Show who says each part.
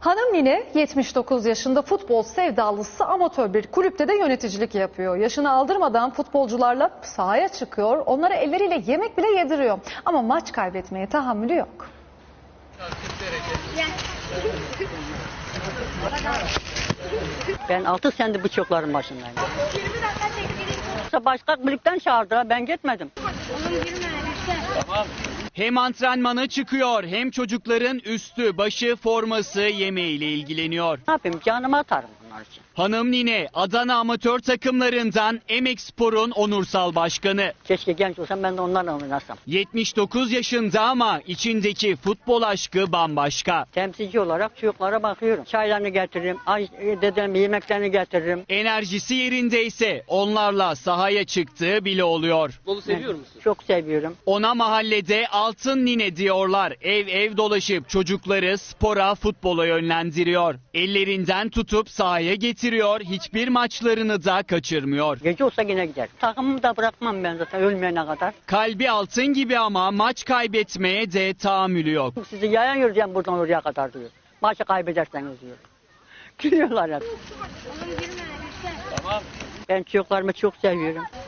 Speaker 1: Hanım Nine 79 yaşında futbol sevdalısı amatör bir kulüpte de yöneticilik yapıyor. Yaşını aldırmadan futbolcularla sahaya çıkıyor, onlara elleriyle yemek bile yediriyor. Ama maç kaybetmeye tahammülü yok.
Speaker 2: Ben 6 senedir bu çocukların başındayım. Başka kulüpten çağırdılar, ben gitmedim.
Speaker 3: Hem antrenmana çıkıyor hem çocukların üstü, başı, forması, yemeğiyle ilgileniyor.
Speaker 2: Ne yapayım, canımı atarım bunlar için.
Speaker 3: Hanım Nine, Adana amatör takımlarından Emekspor'un onursal başkanı.
Speaker 2: Keşke genç olsam ben de onlarla oynasam.
Speaker 3: 79 yaşında ama içindeki futbol aşkı bambaşka.
Speaker 2: Temsilci olarak çocuklara bakıyorum. Çaylarını getiririm, dedem yemeklerini getiririm.
Speaker 3: Enerjisi yerindeyse onlarla sahaya çıktığı bile oluyor.
Speaker 4: Futbolu seviyor musun?
Speaker 2: Çok seviyorum.
Speaker 3: Ona mahallede altın nine diyorlar. Ev ev dolaşıp çocukları spora, futbola yönlendiriyor. Ellerinden tutup sahaya getiriyor. Hiçbir maçlarını da kaçırmıyor.
Speaker 2: Gece olsa yine gider. Takımımı da bırakmam ben zaten ölmeyene kadar.
Speaker 3: Kalbi altın gibi ama maç kaybetmeye de tahammülü yok.
Speaker 2: Sizi yayan yürüyeceğim buradan oraya kadar diyor. Maçı kaybederseniz diyor. Gülüyorlar hep.
Speaker 4: Tamam.
Speaker 2: Ben çocuklarımı çok seviyorum.